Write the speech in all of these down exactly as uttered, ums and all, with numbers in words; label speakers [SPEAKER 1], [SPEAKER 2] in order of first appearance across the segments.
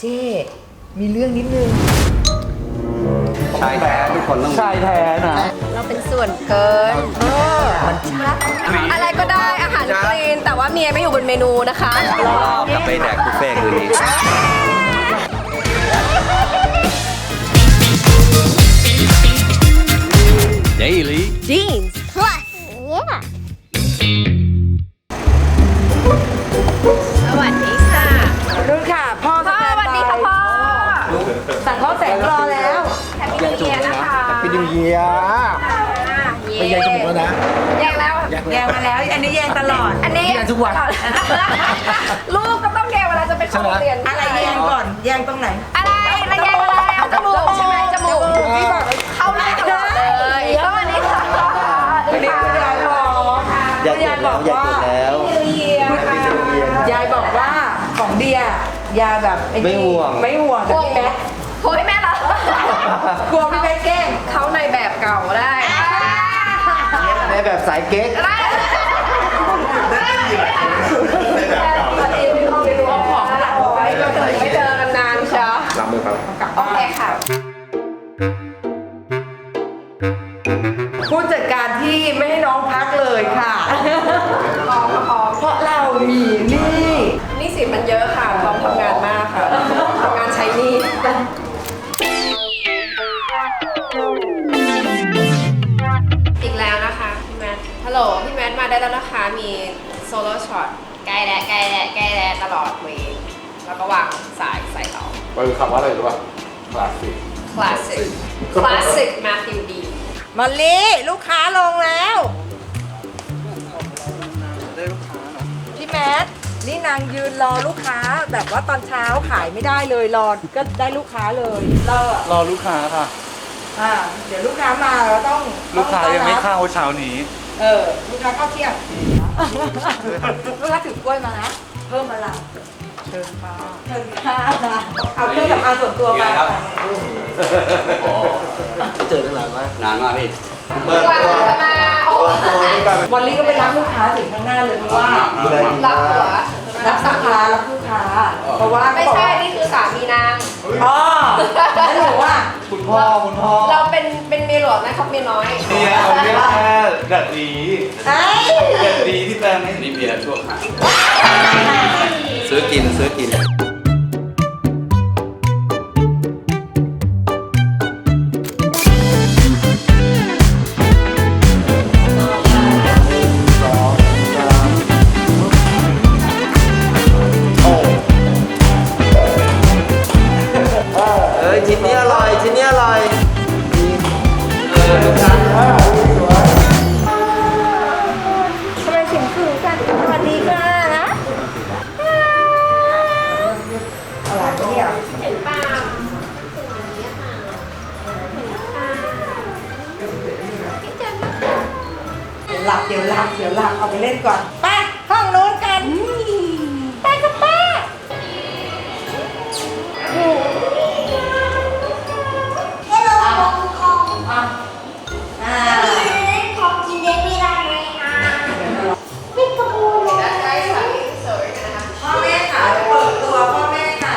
[SPEAKER 1] เจ้มีเรื่องนิดนึง
[SPEAKER 2] ชายแท้ทุกคนต้อง
[SPEAKER 3] ชายแท้นะ
[SPEAKER 4] เราเป็นส่วนเกินเอออะไรก็ได้อาหารคลีนแต่ว่าเมียไม่อยู่บนเมนูนะคะ
[SPEAKER 2] กลับไปแดกบุฟเฟ่ต์คืนนี้Daily
[SPEAKER 4] Jeans Plus yeah สวัสดีค่ะ
[SPEAKER 1] รุ่นค่ะพ่อ
[SPEAKER 4] พ่อสวัสดีค่ะพ่อ
[SPEAKER 1] สั่งข้าวแสงรอแล้ว
[SPEAKER 4] แฮปปี้นิวเยียร์นะคะ
[SPEAKER 3] เป็นนิวเยียร์ เป็นยังจมูกแล้วนะ
[SPEAKER 4] แยกแล้ว
[SPEAKER 1] แยงมาแล้วอันนี้แยงตลอด
[SPEAKER 4] อันนี้
[SPEAKER 3] แยกทุกวัน
[SPEAKER 4] ลูกก็ต้องแยกเวลาจะไปเข้าโรงเรียน
[SPEAKER 1] อะไรแยงก่อนแยงตรงไหน
[SPEAKER 4] อะไรอะไรแยกอะไรเอาจมูกใช่ไหมจมูกที่บอกเข้าได้ตลอดเลยสวัสดีค่ะสวัสดีค่ะ
[SPEAKER 1] ยายบอก
[SPEAKER 2] อยากเกิดแล้วอยากเกิดแล้ว
[SPEAKER 4] นิวเยียร์ค่ะ
[SPEAKER 1] ยายบอกว่าของเดียยายแบบอ้นี่
[SPEAKER 2] ไม่ห่วง
[SPEAKER 1] ไม่ห่วง
[SPEAKER 4] ห่วง
[SPEAKER 1] แม่
[SPEAKER 4] โอ้ยแม่เหรอก
[SPEAKER 1] ลัวพี่แม่แกล้ง
[SPEAKER 4] เขาในแบบเก่าได้
[SPEAKER 2] ในแบบสายเก๊ก
[SPEAKER 4] ได้ไม่เจอกันนานเชียว
[SPEAKER 2] รับมือครับ
[SPEAKER 4] โอเคค่ะ
[SPEAKER 1] ผู้จัดการที่ไม่ให้น้องพักเลยค่ะเพราะเรามีหนี้
[SPEAKER 4] นี่สิมันเยอะค่ะพร้อมทำงานมากค่ะทำงานใช้หนี่อีกแล้วนะคะพี่แมทฮัลโหลพี่แมทมาได้แล้วนะคะมีโซโล่ช็อตใกล้แล้วใกล้แล้วใกล้แล้วตลอดเวย์แล้วก็วางสายใส่ต่อ
[SPEAKER 3] มันคือคำว่าอะไรรู้ป่ะคลาสสิก
[SPEAKER 4] คลาสสิกคลาสสิกแมทธิวดี
[SPEAKER 1] มอลลี่ลูกค้าลงแล้วพี่แมทนี่นางยืนรอลูกค้าแบบว่าตอนเช้าขายไม่ได้เลยรอก็ได้ลูกค้าเลยรอ
[SPEAKER 3] รอลูกค้าค่ะ
[SPEAKER 1] อ่าเดี๋ยวลูกค้ามาเราต้อง
[SPEAKER 3] ลูกค้า
[SPEAKER 1] ต้อง
[SPEAKER 3] ยังไม่
[SPEAKER 1] ต้อนรับ
[SPEAKER 3] เข้าเช้านี้
[SPEAKER 1] เออลูกค้าเข้าเที่ยงลูกค้าถือกล้วยมานะเพิ่มมาละเชิญค่ะเชิญค่ะเอาเครื่องสำอางส่วนตัวมา
[SPEAKER 2] เจอตั้งนานมากนานมากพี่
[SPEAKER 4] เปิดตัวมาโอ้
[SPEAKER 1] วันนี้ก็ไปรับลูกค้าถึงข้างหน้าเลยเพราะว่า
[SPEAKER 4] รับหัว
[SPEAKER 1] รับลูกค้ารับลูกค้า เพราะว่า
[SPEAKER 4] ไม่ใช่นี่คือสามีนาง
[SPEAKER 1] อ๋อแล้วหนูว่า
[SPEAKER 3] คุณพ่อคุณพ่อ
[SPEAKER 4] เราเป็นเป็นเมียหลวงนะครับเมียน้อย
[SPEAKER 3] เนี่ยเอาเรียกแค่ดัดดี
[SPEAKER 1] ไอ้
[SPEAKER 3] ดัดดีที่แปลงไม่
[SPEAKER 2] นี่เบียร์ชั่วขณะซื้อกินซื้อกิน เอ้ยชิ้นนี้อร่อยชิ้นนี้อร่อยเออลูกค้า
[SPEAKER 4] ทำไมถึงถึงกันสวัสดีค่ะนะ
[SPEAKER 1] อะไรเนี่ย
[SPEAKER 4] เห็นป่า
[SPEAKER 1] หลับเดี๋ยวหลับเดี๋ยวหลับเอาไปเล่นก่อนไปห้องนู้นกันไปกับป้าอ่า
[SPEAKER 4] ใกล้สามีสวยกันนะคะ
[SPEAKER 1] พ่อแม่ค่ะเปิดตัวพ่อแม่ค่ะ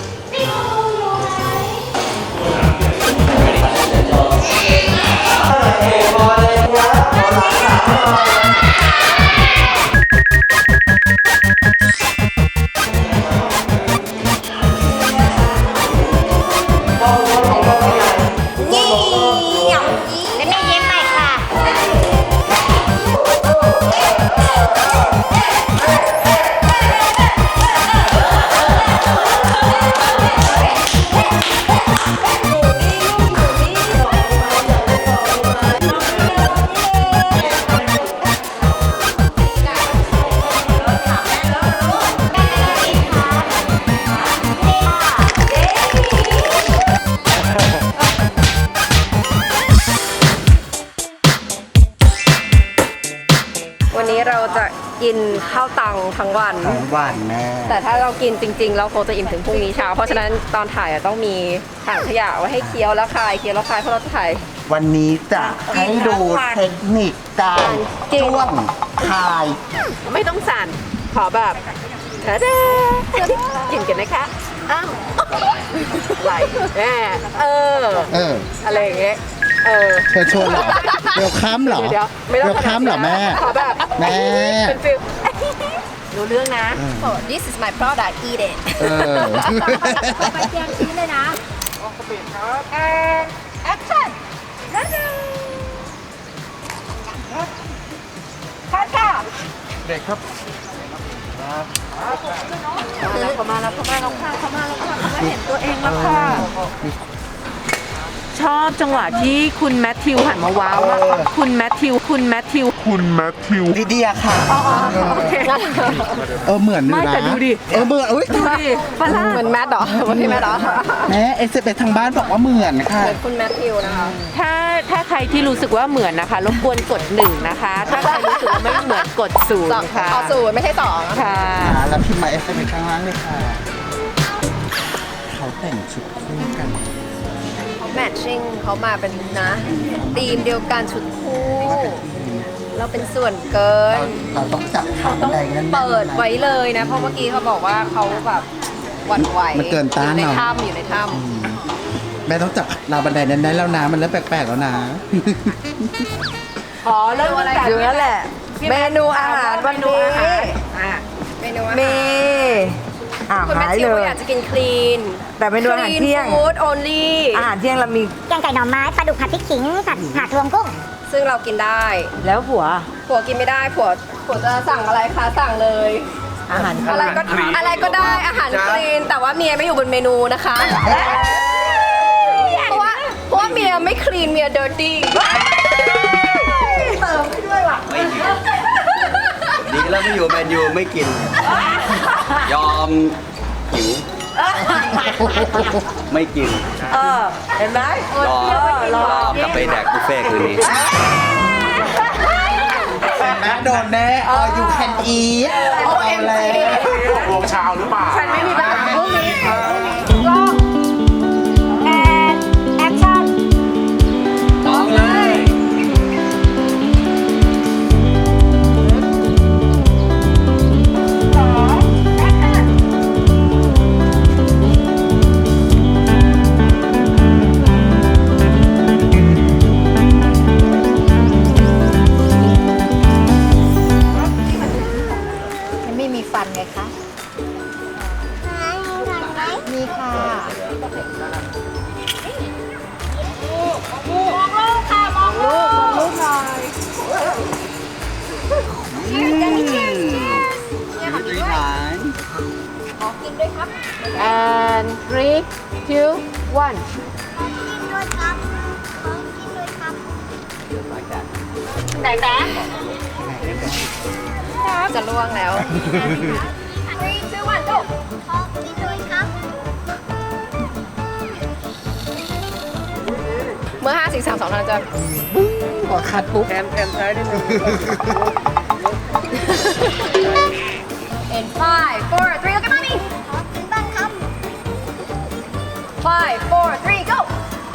[SPEAKER 4] วันนี้เราจะกินข้าวตังทั้งวัน
[SPEAKER 3] ของหวานแม่
[SPEAKER 4] แต่ถ้าเรากินจริงๆ เราคงจะอิ่มถึงพรุ่งนี้เช้า เพราะฉะนั้นตอนถ่ายอะต้องมีถังขยะไว้ให้เคี้ยวแล้วคายเคี้ยวแล้วคายเพราะเราจะถ่าย
[SPEAKER 5] วันนี้จะให้ดูเทคนิคการ
[SPEAKER 4] จริง
[SPEAKER 5] จ้วงคาย
[SPEAKER 4] ไม่ต้องสั่น ขอแบบเธอเด้อกินกันนะคะ อ้าวไหลแม่เออ
[SPEAKER 5] เออ
[SPEAKER 4] อะไรอย่างเงี้ยเออ
[SPEAKER 5] เชิญชวนเหรอเวลคัมเหรอ
[SPEAKER 4] เดี๋ยวไม่ต้อง
[SPEAKER 5] เวลคัมเหรอแม่
[SPEAKER 4] ขอแบบ
[SPEAKER 5] แม่
[SPEAKER 4] เป็นฟิลรู้เรื่องนะ this is my product eat it
[SPEAKER 5] เออ
[SPEAKER 1] ไปเตรียมชิ้นเลยนะแอนแอคชั่นนั่นเองคัดค่ะ
[SPEAKER 3] เด็กครับ
[SPEAKER 1] เขามาแล้วเขามาแล้วค่ะเขามาแล้วค่ะเขามาเห็นตัวเองแล้วค่ะ ชอบจังหวะที่คุณแมทธิวหันมาว้าวมากคุณแมทธิวคุณแมทธิว
[SPEAKER 5] ลิเดียค่ะ
[SPEAKER 1] โอเค
[SPEAKER 5] เออเหมือนอยู่
[SPEAKER 1] ไม่
[SPEAKER 5] นะ
[SPEAKER 1] แต่ดูดิ
[SPEAKER 5] เออเหมือนอุ้ย
[SPEAKER 1] ดูดิฝรั่ง
[SPEAKER 4] เหมือนแมทเหรอเหมือนพี่แมทเหรอ
[SPEAKER 5] แม่เอสเอทางบ้านบอกว่าเหมือนค่ะ
[SPEAKER 4] เหมือนคุณแมทธิวนะคะ
[SPEAKER 1] ถ้าถ้าใครที่รู้สึกว่าเหมือนนะคะรบกวนกดหนึ่งนะคะ ถ้าใครรู้สึกว่าไม่เหมือนกดศูน
[SPEAKER 4] สอง
[SPEAKER 1] ย์ค่ะ
[SPEAKER 4] เอาศูนย์ไม่ใช่สอง
[SPEAKER 1] ค่ะ
[SPEAKER 5] อ่าแล้วพิมพ์มาเอสเอข้างล่างเลยค่ะ เขาแต่งชุดคู่กัน
[SPEAKER 4] แมทชิ่งเขามาเป็นนะธีมเดียวกันชุดคู่ เราเป็นส่วนเกิน
[SPEAKER 5] เราต้องจับขาบันไดนั่นๆ
[SPEAKER 4] เปิดไว้เลยนะ เพราะเมื่อกี้เขาบอกว่าเขาแบบหวั่นไหว
[SPEAKER 5] มันเกินต้าน
[SPEAKER 4] อยู่ใน
[SPEAKER 5] เนอะ
[SPEAKER 4] ถ้ำอยู่ในถ้
[SPEAKER 5] แม่ต้องจับราวบันไดนั้นได้แล้วนะมันเริ่มแปลกๆแล้วนะ
[SPEAKER 1] อ๋อเริ่มตั้งแต่
[SPEAKER 4] ำนั่นแหละ เมนูอาหารวันนี้
[SPEAKER 1] อ่ะ
[SPEAKER 4] เมนูอาหาร
[SPEAKER 6] มีอ่า
[SPEAKER 4] คุณแมท
[SPEAKER 6] หาย
[SPEAKER 4] ธิว
[SPEAKER 6] เลย
[SPEAKER 4] อยากจะกินคลีน
[SPEAKER 6] แต่เมนูอาหารเที่ยง
[SPEAKER 4] ฟู้ด only
[SPEAKER 6] อาหารเที่ยงเรามี
[SPEAKER 7] แกงไก่หน่อไม้ปลาดุกผัดพริกขิงผัดผัดรวมกุ้ง
[SPEAKER 4] ซึ่งเรากินได้
[SPEAKER 6] แล้วผัว
[SPEAKER 4] ผัวกินไม่ได้ผัวผัวจะสั่งอะไรคะสั่งเลย
[SPEAKER 6] อาหาร
[SPEAKER 4] อะไรก็อะไรก็ได้อาหารคลีนแต่ว่าเมียไม่อยู่บนเมนูนะคะ เพราะว่าเพราะว่าเมียไม่คลีนเมียเดอร์ตี้
[SPEAKER 2] ดีแล้วไม่อยู่แมนยูไม่กิน ยอมหิว ไม่กิน
[SPEAKER 6] เออเห็นไหม
[SPEAKER 2] รอ รอกลับไปแดกบุฟเฟ่ต์คืนนี้
[SPEAKER 5] แม่โดนแน่ออยูแคนอีทเอาแล้ว
[SPEAKER 3] วงชาวหรือเปล่า
[SPEAKER 1] ฉันไม่มีปัญหาพวกนี้
[SPEAKER 7] แอนแอคชั่น
[SPEAKER 2] ต้องเลย
[SPEAKER 7] มันไม่มีฟันไงคะ มีค่ะ มองลูกค่ะ มองลูก มองลูกหน่อย
[SPEAKER 2] รีหาย
[SPEAKER 1] and three two one
[SPEAKER 4] จะล่วงแล้ว เมื่อห้าสี่สามสองเราจะ
[SPEAKER 5] ขอคัดปุ๊บ
[SPEAKER 4] แอมแอมใช้ได้ไหม in five four three look at mommy five four three go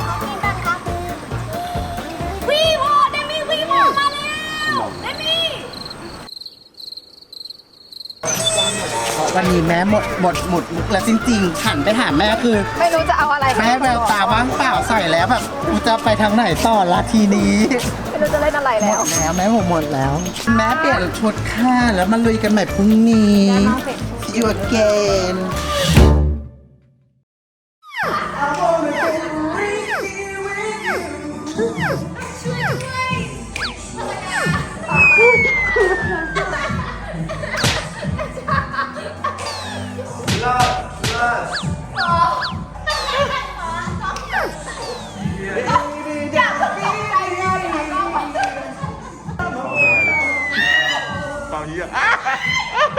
[SPEAKER 7] วีโวเดมี่วีโวมาแล้วเดมี่
[SPEAKER 5] วันนี้แม่หมดหมดหมดมุกแล้วจริงๆหันไปหาแม่คือ
[SPEAKER 4] ไม่รู้จะเอาอะไร
[SPEAKER 5] แม่แววตาว่างเปล่าใส่แล้วแบบกูจะไปทางไหนต่อละทีนี้
[SPEAKER 4] ไม่รู้จะเล่นอะไร
[SPEAKER 5] หม
[SPEAKER 4] แล้ว
[SPEAKER 5] ดแล้วแม่ผมหมดแล้ว แม่เปลี่ยนชุดค่ะแล้วมาลุยกันใหม่พรุ่งนี้ See you again
[SPEAKER 3] ตอนนี้อ่ะ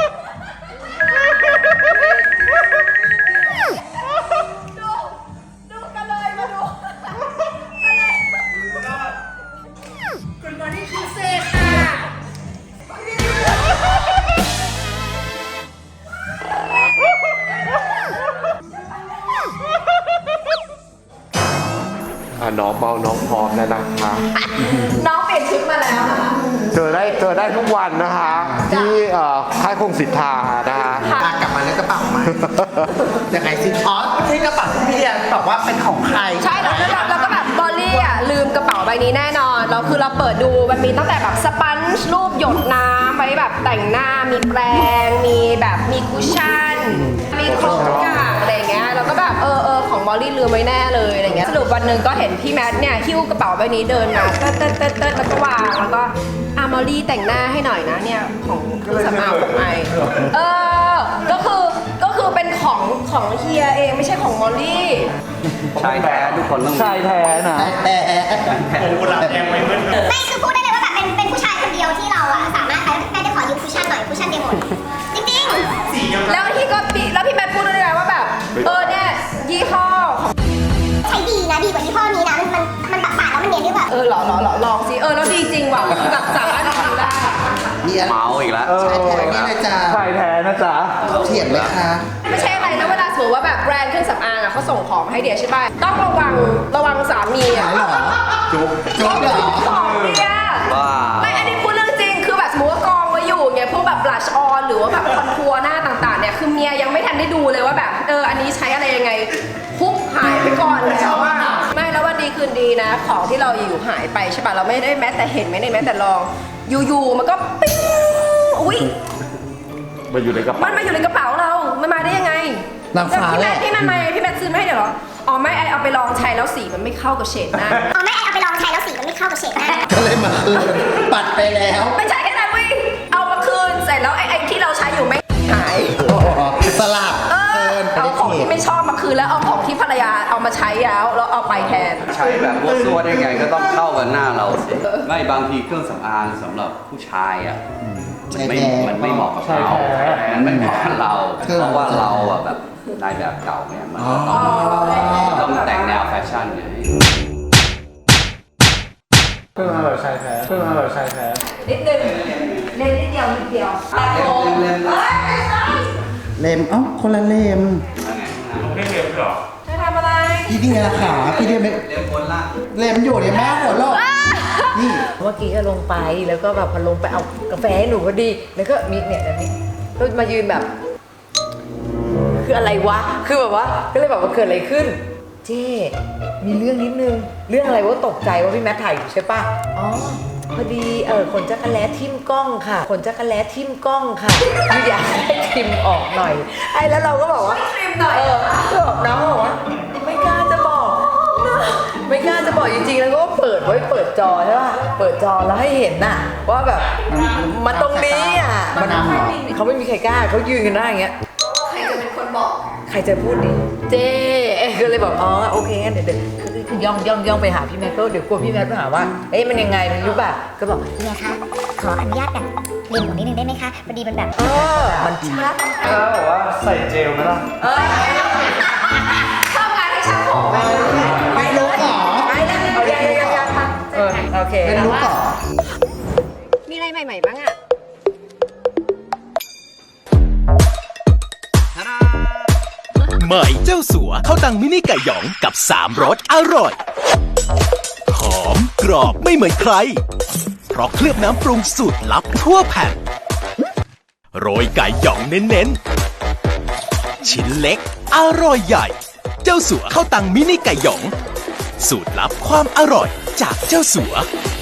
[SPEAKER 3] อ่ะน้องเมาน้องพร้อมแล้วนะคะ
[SPEAKER 4] น้องเปลี่ยนชุดมาแล้วค่ะ
[SPEAKER 3] เจอได้เจอได้ทุกวันนะคะ ที่เอ่อค่ายคงสิทธานะคะ
[SPEAKER 5] อ่ะกลับมาแล้วกระเป๋ามา ยังไงสิอ๋อที่กระเป๋าที่พี่เดียบอกว่าเป็นของใคร
[SPEAKER 4] ใช่แล้วแล้วเราก็แบบบอลลี่อ่ะลืมกระเป๋าใบนี้แน่นอนเราคือเราเปิดดูมันมีตั้งแต่แบบสปันช์รูปหยดน้ำไว้แบบแต่งหน้ามีแปรงมีแบบมีคุชชั่นมีครบทุกอย่างอะไรเงี้ยเราก็แบบเออเออของบอลลี่ลืมไว้แน่เลยอะไรเงี้ยสรุปวันหนึ่งก็เห็นพี่แมทเนี่ยหิ้วกระเป๋าใบนี้เดินมาเติร์ดเติร์ดเติร์ดเติร์ดแล้วก็วางแล้วก็อ่ะมอลลี่แต่งหน้าให้หน่อยนะเนี่ยของเครื่องสำอางของไอเออก็คือก็คือเป็นของของเฮียเองไม่ใช่ของมอลลี่
[SPEAKER 2] ชายแท้ทุกคนต้องชายแท้นะ
[SPEAKER 5] แต่
[SPEAKER 7] ไม่คือพูดได้เลยว่าแบบเป็นเป็นผู้ชายคนเดียวที่เราอะสามารถใช้ได้จะขอยืมคุชชั่นหน่อยคุชชั่นเดโมดจริงๆ
[SPEAKER 4] แล้วพี่ก็ปีแล้วพี่แมทพูดด้วยนะว่าแบบเออเนี่ยยี่ห้อของ
[SPEAKER 7] ใช้ดีนะดีกว่ายี่ห้อนี้นะมันมันมันปัดปาดแล้วมันเนียนด้วยแบบ
[SPEAKER 4] เออหรอหรอหรอลองสิเออแล้วดีจริงว่ะคือแบบสามารถทำได้
[SPEAKER 5] มีอะไร
[SPEAKER 2] เมาอีกแล้ว
[SPEAKER 5] ใช่แท้นี่เลยจ้า
[SPEAKER 2] ชายแท้นะจ๊ะ
[SPEAKER 5] เถียงไหมคะ
[SPEAKER 4] ไม่ใช่อะไรนะเวลาสมมติว่าแบบแบรนด์เครื่องสำอางอ่ะเขาส่งของมาให้เดียใช่ป่ะต้องระวังระวังสามีอ่ะ
[SPEAKER 5] หายเหรอ
[SPEAKER 2] จุ๊บ
[SPEAKER 5] จบเหรอ
[SPEAKER 4] ของเนี่ย
[SPEAKER 2] ว้า
[SPEAKER 4] ไม่อันนี้พูดเรื่องจริงคือแบบสมมติว่ากองไว้อยู่ไงพวกแบบบลัชออนหรือว่าแบบคอนทัวร์หน้าต่างๆเนี่ยคือเมียยังไม่ทันได้ดูเลยว่าแบบเอออันนี้ใช้อะไรยังไงคุกหายไปก่อนแล้วว่าไม่แล้ววันดีคืนดีนะ ของที่เราอยู่หายไปใช่ป่ะเราไม่ได้แม้แต่เห็นไม่ได้แม้แต่ลองอยู่ๆมันก็ปิ้งอุ้ย
[SPEAKER 2] มาอยู่ในกระเป๋า
[SPEAKER 4] มันมาอยู่ในกระเป๋าเรา มันมาได้ยังไง
[SPEAKER 5] นางฟ้า
[SPEAKER 4] พี่
[SPEAKER 5] แห
[SPEAKER 4] แม
[SPEAKER 5] ละ
[SPEAKER 4] ทพี่แมทมาพี่แมทซื้อมาให้เดี๋ยวเหรอ อ๋อไม่ไอเอาไปลองใช้แล้วสีมันไม่เข้ากับเฉดหน้า
[SPEAKER 7] เอาแม่เอาไปลองใช้แล้วสีมันไม่เข้ากับเฉดหน้า
[SPEAKER 5] ก็เลยมาคืนปัดไปแล้ว
[SPEAKER 4] ไม่ใช่แค่นั้นเว้ยเอามาคืนเสร็จแล้วไอไอที่เราใช้อยู่ไม่หาย
[SPEAKER 5] อ๋อสลับ
[SPEAKER 4] เอ
[SPEAKER 5] เกิ
[SPEAKER 4] อน
[SPEAKER 5] ไป
[SPEAKER 4] เอา
[SPEAKER 5] ได้
[SPEAKER 4] ของ
[SPEAKER 5] เขต
[SPEAKER 4] ที่ไม่ชอบมาคืนแล้วเอาของที่ภรรยาเอามาใช้แล้วแล้วเอาไปแทน
[SPEAKER 8] ใช้แบบวัวซัวได้ไงก็ต้องเข้ากับหน้าเราสิ ไม่บางทีเครื่องสำอางสำหรับผู้ชายอ่ะมันไม่
[SPEAKER 5] ใช่แท้
[SPEAKER 8] มันไม่เหมาะกับเรา มันไม่เหมาะกับเรา เพราะว่าเราอ่ะแบบนายแบบเก่าเนี่ยมันก็ต้องต้องแต่งแนวแฟชั่นไง
[SPEAKER 2] เพิ่งมาแบบชายแท้เพิ่งมาแบบชายแท้
[SPEAKER 4] นิดนึงเล่นนิดเดียวนิดเดียวตัดผม
[SPEAKER 8] เล่นๆ
[SPEAKER 4] เอ้ยไม่ใช่
[SPEAKER 5] เลมเอ้าคนละเลม
[SPEAKER 4] จะทำอะไร
[SPEAKER 5] พี่เดียขาพี่เดียไม่
[SPEAKER 8] เล่นบนล่าง
[SPEAKER 5] เลมอยู่เนี่ยแม่หัวโลกนี่
[SPEAKER 6] เมื่อกี้ก็ลงไปแล้วก็แบบพอลงไปเอากาแฟให้หนูพอดี แล้วก็มีเนี่ยแบบนี้ก็มายืนแบบ คืออะไรวะ คือแบบว่าก็เลยแบบว่าเกิดอะไรขึ้น เจ๊มีเรื่องนิดนึง เรื่องอะไรว่าตกใจว่าพี่แมทถ่ายอยู่ใช่ปะอ๋อพอดีเออขนจักรแล้ทิ่มกล้องค่ะขนจักรแล้ทิ่มกล้องค่ะคืออยากให้ทิมออกหน่อยไอ้แล้วเราก็บอกว่า
[SPEAKER 4] ทริมหน่อย
[SPEAKER 6] เออก็บอกน้องบอกว่าไม่กล้าจะบอก ไม่กล้าจะบอกจริงๆแล้วก็เปิดไว้เปิดจอใช่ป่ะเปิดจอแล้วให้เห็นน่ะว่าแบบมันตรงนี้อ่ะมันเขาไม่มีใครกล้าเขายืนกันหน้าอย่างเงี้ย
[SPEAKER 4] ใครจะเป็นคนบอก
[SPEAKER 6] ใครจะพูดดิเจ๊ก็เลยบอกอ๋อโอเคงั้นเดี๋ยวเดี๋ยวคือคือย่องย่องย่องไปหาพี่แมทก็เดี๋ยวกลัวพี่แมทไปหาว่าเอ๊ะมันยังไงมันรู้ป่ะก็บอก
[SPEAKER 7] เนี่ยคะขออนุญาตแบบเรียนหัวนิดนึงได้ไหมคะพอดีมันแบบ
[SPEAKER 6] เออมันชัด
[SPEAKER 2] แล้วบอกว่าใส่เจลไหมล่ะ
[SPEAKER 6] เออ
[SPEAKER 4] ชอบงานให้ช่างผมไหม
[SPEAKER 5] ไม่รู้หรอ
[SPEAKER 6] ไปแล้วเอายังยังยังเออโอเค
[SPEAKER 5] ไม่รู้หรอ
[SPEAKER 4] มีอะไรใหม่ๆบ้างอ่ะ
[SPEAKER 9] ใหม่เจ้าสัวข้าวตังมินิไก่หยองกับสามรสอร่อย หอมกรอบไม่เหมือนใคร เพราะเคลือบน้ำปรุงสูตรลับทั่วแผ่น โรยไก่หยองเน้นๆ ชิ้นเล็ก อร่อยใหญ่ เจ้าสัวข้าวตังมินิไก่หยอง สูตรลับความอร่อยจากเจ้าสัว